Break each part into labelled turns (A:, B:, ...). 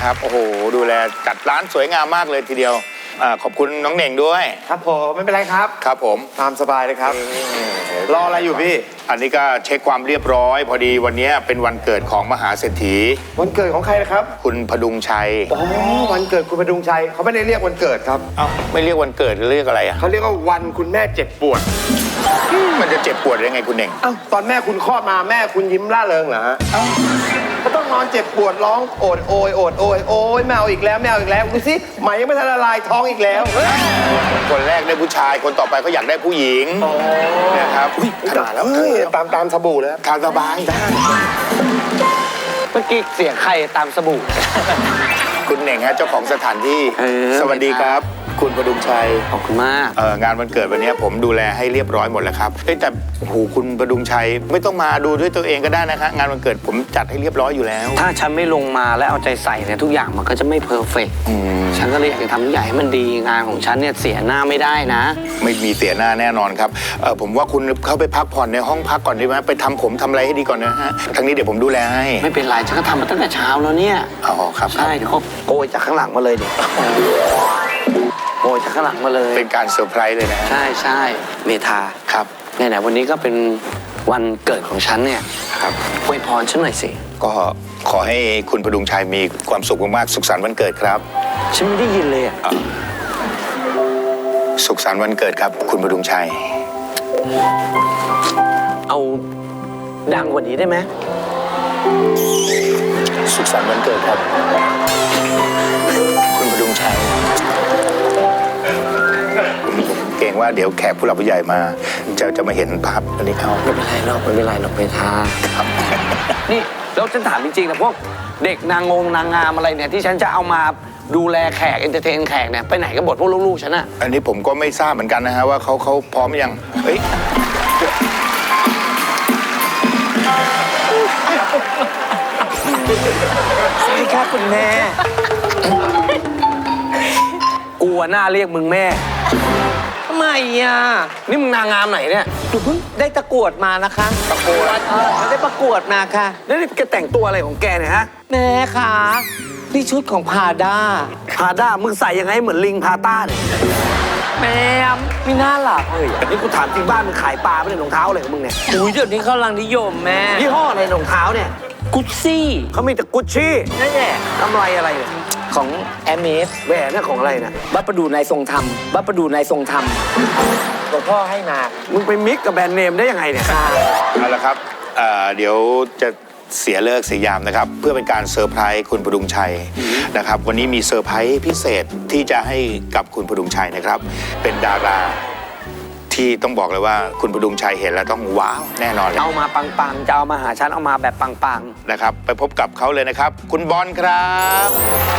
A: นะครับโอ้โหดูแลจัดร้านสวยงามมากเลยทีเดียวขอบคุณน้องเหน่งด้วย
B: ครับผมไม่เป็นไรครับ
A: ครับผม
B: ตามสบายเลยครับรออะไรอยู่พี่
A: อันนี้ก็เช็คความเรียบร้อยพอดีวันนี้เป็นวันเกิดของมหาเศรษฐี
B: วันเกิดของใครนะครับ
A: คุณพดุงชัย
B: อ๋อวันเกิดคุณพดุงชัยเขาไม่ได้เรียกวันเกิดครับ
A: เอ้าไม่เรียกวันเกิดเรียกอะไรอ่ะ
B: เขาเรียกว่าวันคุณแม่เจ็บปวด
A: มันจะเจ็บปวดยังไงคุณเหน่ง
B: เอ้าตอนแม่คุณคลอดมาแม่คุณยิ้มร่าเริงเหรอฮะก็ต้องนอนเจ็บปวดร้องโอดโอยโอดโอยโอยแมวอีกแล้วแมวอีกแล้วดูสิไหมยังไม่ทันละลายท้องอีกแล้ว
A: คนแรกได้ผู้ชายคนต่อไปก็อยากได้ผู้หญิงนะครับ
B: ขนาดแล้วตามสบู่แล้ว
A: ทานสบาย
C: เมื่อกี้เสียงใครตามสบู่
A: คุณเหน่งฮะเจ้าของสถานที่สวัสดีครับคุณพดุงชัย
C: ขอบคุณมาก
A: งานวันเกิดวันนี้ผมดูแลให้เรียบร้อยหมดแล้วครับแต่โอ้โหคุณพดุงชัยไม่ต้องมาดูด้วยตัวเองก็ได้นะคะงานวันเกิดผมจัดให้เรียบร้อยอยู่แล้ว
C: ถ้าฉันไม่ลงมาและเอาใจใส่เนี่ยทุกอย่างมันก็จะไม่เพอร์เฟกต์ฉันก็เลยอยากจะทำทุกอย่างให้มันดีงานของฉันเนี่ยเสียหน้าไม่ได้นะ
A: ไม่มีเสียหน้าแน่นอนครับผมว่าคุณเข้าไปพักผ่อนในห้องพักก่อนดีไหมไปทำผมทำอะไรให้ดีก่อนนะฮะทางนี้เดี๋ยวผมดูแลให้
C: ไม่เป็นไรฉันก็ทำมาตั้งแต่เช้าแล้วเนี่ย
A: อ๋อครับ
C: ใช่เดี๋ยวเขาโกยจากข้างหลังมาเลยดิโกยจากข้างหลังมาเลย
A: เป็นการเซอร์ไพรส์เลยนะ
C: ใช่ใช่เมธา
A: ครับ
C: ไหนๆวันนี้ก็เป็นวันเกิดของฉันเนี่ย
A: ครับ
C: อวยพรฉันหน่อยสิ
A: ก็ขอให้คุณพดุงชัยมีความสุขมากๆสุขสันต์วันเกิดครับ
C: ฉันไม่ได้ยินเลยอ่ะ
A: สุขสันต์วันเกิดครับคุณพดุงชัย
C: เอาดังกว่านี้ได้ไหม
A: สุขสันต์วันเกิดครับคุณพดุงชัยเก่งว่าเดี๋ยวแขกผู้หลักผู้ใหญ่มาจะมาเห็นภาพอันนี้เขา
C: ไม่เป็นไรหรอกไม่เป็นไรหรอกเมธานี่แล้วฉันถามจริงๆนะพวกเด็กนางงามอะไรเนี่ยที่ฉันจะเอามาดูแลแขกเอนเตอร์เทนแขกเนี่ยไปไหนกันหมดพวกลูกๆฉันอะ
A: อันนี้ผมก็ไม่ทราบเหมือนกันนะฮะว่าเขาพร้อมยังเฮ้ย
C: สวัสดีครับคุณแม่กูหน้าเรียกมึงแม่ทำไมอ่ะนี่มึงนางงามไหนเนี่ย
D: หนูเพิ่งได้ประกวดมานะคะ
A: ประกวด
D: ได้ประกวดมาค่ะ
C: แล้วนี่แกแต่งตัวอะไรของแกเนี่ยฮะ
D: แม่ค่ะนี่ชุดของพาด้า
C: มึงใส่ยังไงเหมือนลิงพาต้าเนี่ย
D: แม่ไม่น่าหลับเลย
C: นี่กูถามจริงบ้านมึงขายปลาไม่ได้รองเท้าอะไรของมึงเนี่ย
D: อุ้ยเดี๋ยวนี้เขากำลังนิยมแม่
C: ยี่ห้ออะไรรองเท้าเนี่ย
D: กุชชี่
C: เขามีแต่กุชชี่
D: นั่นแหละ
C: กำไรอะไรเนี่ย
D: ของแอมเมส
C: แหวนนั่นของอะไรนะ
D: บัปประดูนายทรงธรรมบัปประดูนายทรงธรรมหลวงพ่อให้มา
C: มึงไปมิกกับแบรนด์เนมได้ยังไงเนี่ย
A: เอาละครับเดี๋ยวจะเสียเลิกเสียยามนะครับเพื่อเป็นการเซอร์ไพรส์คุณพดุงชัยนะครับวันนี้มีเซอร์ไพรส์พิเศษที่จะให้กับคุณพดุงชัยนะครับเป็นดาราที่ต้องบอกเลยว่าคุณพดุงชัยเห็นแล้วต้องว้าวแน่นอนเลย
C: เอามาปังๆจะเอามาหาฉันเอามาแบบปัง
A: ๆนะครับไปพบกับเขาเลยนะครับคุณบอลครับ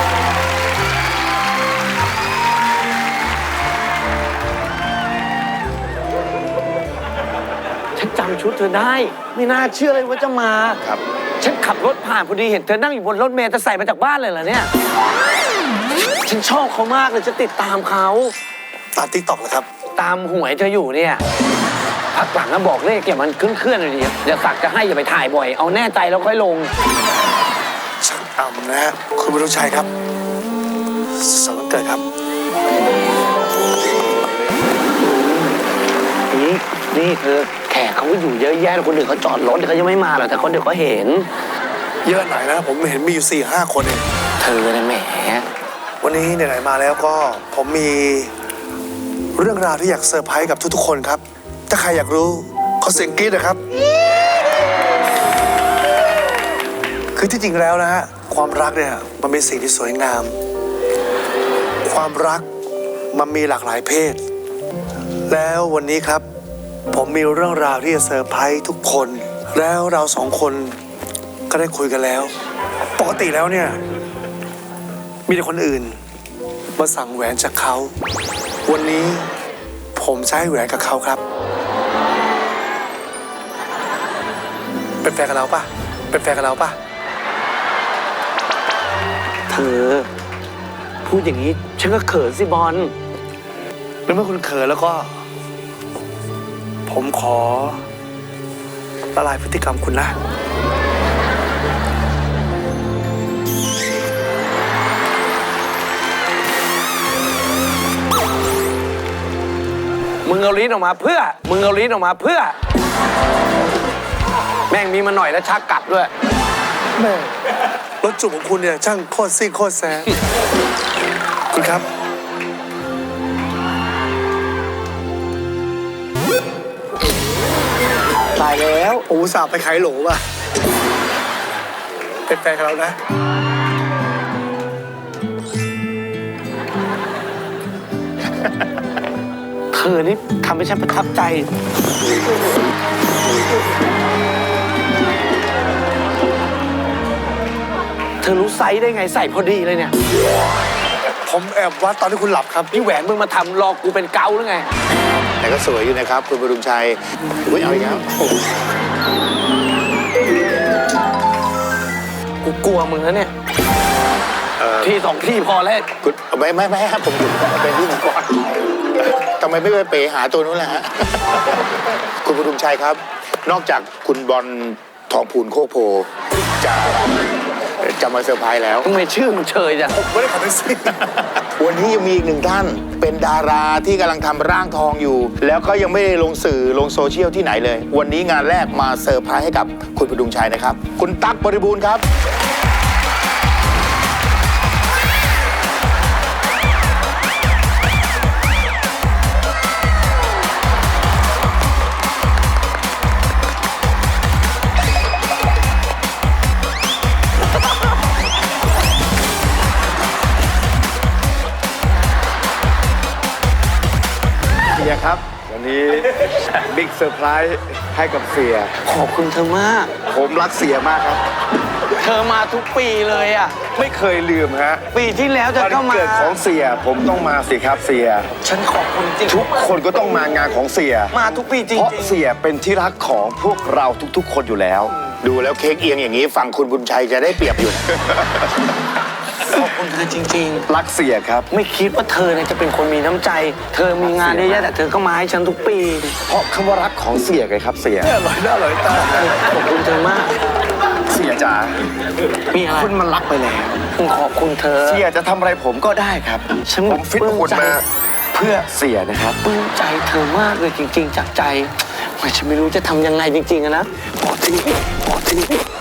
C: ฉันจำชุดเธอได้ไม่น่าเชื่อเลยว่าจะมา
A: ครับ
C: ฉันขับรถผ่านพอดีเห็นเธอนั่งอยู่บนรถเมล์จะใส่มาจากบ้านเลยเหรอเนี่ยฉันชอบเขามากเลยจะติดตามเขา
B: ตามติ๊กต็อกนะครับ
C: ตามหวยเธออยู่เนี่ยพักหลังก็บอกเลขอย่ามันเคลื่อนเลยดิอย่าสักจะให้อย่าไปถ่ายบ่อยเอาแน่ใจแล้วค่อยลง
B: ช่างต่ำนะคุณพดุงชัยครับสวัสดีเกิดครับ
C: นี่เธอแขกเขาอยู่เยอะแยะคนอื่นเขาจอดรถเขายังไม่มาหรอกแต่คนเดี๋ยวเขาเห็น
B: เยอะหน่อยนะผมเห็นมีอยู่4-5 คนเอง
C: เธอเนี่ยแหม
B: วันนี้ไหนๆมาแล้วก็ผมมีเรื่องราวที่อยากเซอร์ไพรส์กับทุกๆคนครับถ้าใครอยากรู้ขอเสียงกรี๊ดนะครับคือที่จริงแล้วนะฮะความรักเนี่ยมันเป็นสิ่งที่สวยงามความรักมันมีหลากหลายเพศแล้ววันนี้ครับผมมีเรื่องราวที่จะเซอร์ไพรส์ทุกคนแล้วเรา2 คนก็ได้คุยกันแล้วปกติแล้วเนี่ยมีแต่คนอื่นมาสั่งแหวนจากเขาวันนี้ผมจะให้แหวนกับเขาครับเป็นแฟนกับเราปะเป็นแฟนกับเราปะ
C: เธอพูดอย่างนี้ฉันก็เขินสิบอล
B: แล้วเมื่อคุณเขินแล้วก็ผมขอละลายพฤติกรรมคุณนะ
C: มึงเอาลิ้นออกมาเพื่อ มึงเอาลิ้นออกมาเพื่อ แม่งมีมาหน่อยแล้วชักกลับด้วย
B: แม่รถจุกของคุณเนี่ยช่างโคตรซิ่งโคตรแซ่บคุณครับ
D: ตายแล้ว
B: ผมอุตส่าห์ไปขายโหลว่ะเป็นแฟนกับเรานะ
C: เธอนี่ทำให้ฉันประทับใจ เธอรู้ไซส์ได้ไงใส่พอดีเลยเนี่ย
B: ผมแอบวัดตอนที่คุณหลับครับ
C: นี่แหวนมึงมาทำรอกูเป็นเกาหรือไง
A: แต่ก็สวยอยู่นะครับ คุณประดุงชัยอุ้ยเอาอีกแล้ว
C: กูกลัวมึงนะเนี่ยที่สองที่พอแล้ว
A: คุณไม่ครับผมอยู่เป็นที่ก่อนทำไมไม่ไปเป๋หาตัวนู้นล่ะฮะ คุณประดุงชัยครับ นอกจากคุณบอลทองพูนโคกโพจะมาเซอร์ไพรส์แล้ว
C: ทำไมชื่อมึงเชยจัง
B: ไม่ได้ขับแท็กซี่
A: วันนี้ยังมีอีกหนึ่งท่าน เป็นดาราที่กำลังทำร่างทองอยู่ แล้วก็ยังไม่ได้ลงสื่อลงโซเชียลที่ไหนเลย วันนี้งานแรกมาเซอร์ไพรส์ให้กับคุณประดุงชัยนะครับ คุณตั๊กบริบูรณ์ครับ
E: เสียครับ วันนี้ บิ๊กเซอร์ไพรส์ให้กับเสีย
C: ขอบคุณเธอมาก
E: ผมรักเสียมากครับ
C: เธอมาทุกปีเลยอ่ะ
E: ไม่เคยลืมฮะ
C: ปีที่แล้วเธอ
E: วัน
C: ก็มา
E: เกิดของเสีย ผมต้องมาสิครับเสีย
C: ฉันขอบคุณจริง
E: ทุกคนก็ต้องมางานของเสีย
C: มาทุกปีจริง
E: เพราะเสียเป็นที่รักของพวกเราทุกๆ คนอยู่แล้ว
A: ดูแล้วเค้กเอียงอย่างนี้ฝั่งคุณบุญชัยจะได้เปรียบอยู่นะ
C: ๆขอบคุณเธอจริง
E: รักเสียครับ
C: ๆ ไม่คิดว่าเธอเนี่ยจะเป็นคนมีน้ำใจ เธอมีงานเยอะแยะแต่เธอก็มาให้ฉันทุกปี
E: เพราะคำว่ารักของเสียไงครับเสีย
B: อร่อยหน้าอร่อยตา
C: ขอบคุณเธอมาก
E: เสียจ๋า
C: มีอะไร
E: คุณมันรักไปแล้ว
C: ขอบคุณเธอ
E: เสียจะทำอะไรผมก็ได้ครับ
C: ฉัน
E: ผมฟิตหุ่นมาเพื่อเสียนะครับ
C: ปลื้มใจเธอมากเลยจริง ๆ จากใจไม่ฉันไม่รู้จะทำยังไงจริงๆอะนะขอทีขอที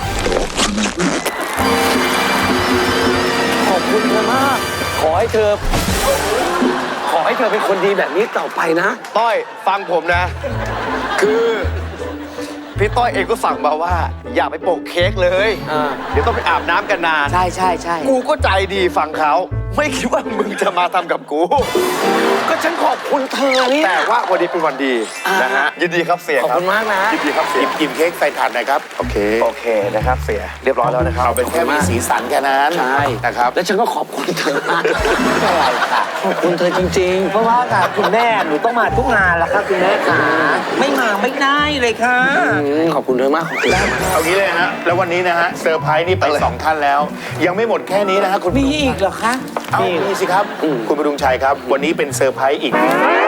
C: ขอบคุณเธอมาก ขอให้เธอเป็นคนดีแบบนี้ต่อไปนะ
E: ต้อยฟังผมนะ คือพี่ต้อยเองก็สั่งมาว่า อย่าไปโปะเค้กเลย
C: อ่า
E: เดี๋ยวต้องไปอาบน้ำกันนาน
D: ใช่ใช่ใช่
E: กูก็ใจดีฟังเขาไม่คิดว่ามึงจะมาทำกับกู
C: ก็ฉันขอบคุณเธอเนี่ย
E: แต่ว่าวันนี้เป็นวันดีนะฮะยินดีครับเสีย
C: ขอบ
E: ครับ
C: คุณมากนะ
E: ยินดีครับเสีย
A: หยิบเค้กใส่ถาดหน่อยครับ โอเค
E: โอเคนะครับเสียเรียบร้อยแล้วนะครับ
A: เอาเป็นแค่มีสีสันแค่นั้น
C: ใช่
A: นะครับ
C: แล้วฉันก็ขอบคุณเธอมากขอบคุณเธอจริง
D: เพราะว่าค่ะคุณแม่หนูต้องมาทุกงานแล้วค่ะคุณแม่ขาไม่มาไม่ได้เลยค่ะ
C: ๆขอบคุณเธอมากขอบคุณเธอมาก
A: เอางี้เลยฮะ แล้ววันนี้นะฮะเซอร์ไพรส์นี่ไป2 ท่านแล้ว ยังไม่หมดแค่นี้นะฮะคุณ
D: มีอีกเหรอคะ
A: เอามีสิครับ คุณประดุงชัยครับ วันนี้เป็นเซอร์ไพรส์อีก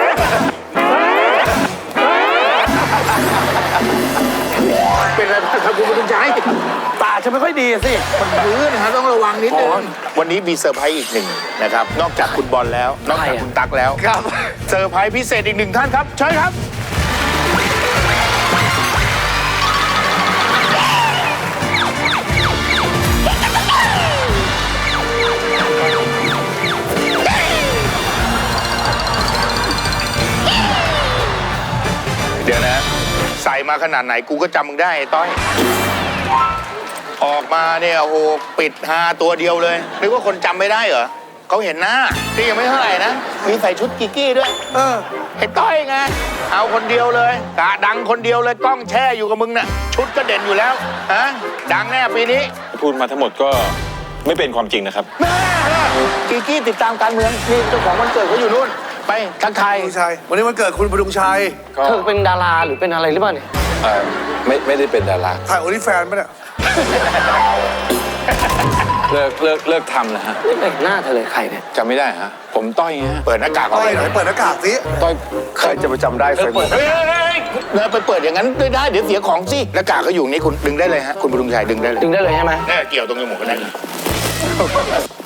A: เป็นอะไรบ้างครับคุณประดุงชัย
C: ตาฉันไม่ค่อยดีอะสิ
A: มันพื้นนะฮะต้องระวังนิดนึงวันนี้มีเซอร์ไพรส์อีกหนึ่งนะครับ นอกจากคุณบอลแล้ว นอกจากคุณตั๊กแล้ว
E: ครับ
A: เซอร์ไพรส์พิเศษอีก1 ท่านครับเชิญครับ เดี๋ยวนะ ใส่มาขนาดไหนกูก็จำมึงได้ไอ้ต้อย ออกมาเนี่ยโอ้โหปิดฮาตัวเดียวเลยนึกว่าคนจำไม่ได้เหรอเขาเห็นหน้านี่ยังไม่เท่าไหร่นะมีใส่ชุดกิกกี้ด้วยไอ้ต้อยไงเอาคนเดียวเลยกะดังคนเดียวเลยกล้องแช่อยู่กับมึงน่ะชุดก็เด่นอยู่แล้วฮะดังแน่ปีนี้
F: พูดมาทั้งหมดก็ไม่เป็นความจริงนะครับ
A: แม่กิกกี้ติดตามการเมืองนี่เจ้าของวันเกิดเขาอยู่นู่นไปทักทาย
B: คุณชัยวันนี้วันเกิดคุณประดุงชัย
F: ก็
C: เธอเป็นดาราหรือเป็นอะไรหรือเปล่าเนี่ย
F: ไม่ได้เป็นดารา
B: ถ่ายโอลิแฟนปะเนี่ย
F: เลิกทำนะฮะ
C: ไม่เห็นหน้าเธอเลยใครเนี่ย
F: จำไม่ได้ฮะ ผมต้อยฮะ
A: เปิดหน้ากาก
B: ต้
A: เอา
B: อย
A: ไว้
B: ไหนเปิดหน้ากากสิ
F: ต้อย
E: ใครจะไปจำได้เฟซบุ๊ก
A: เฮ้ยไปเปิดอย่างนั้นไม่ได้เดี๋ยวเสียของสิหน้ากากก็อยู่นี่คุณดึงได้เลยฮะคุณประดุงชัยดึงได้เลย
C: ดึงได้เลยใช่ไหม
A: เนี่ยเกี่ยวตรงจมูกก็ได้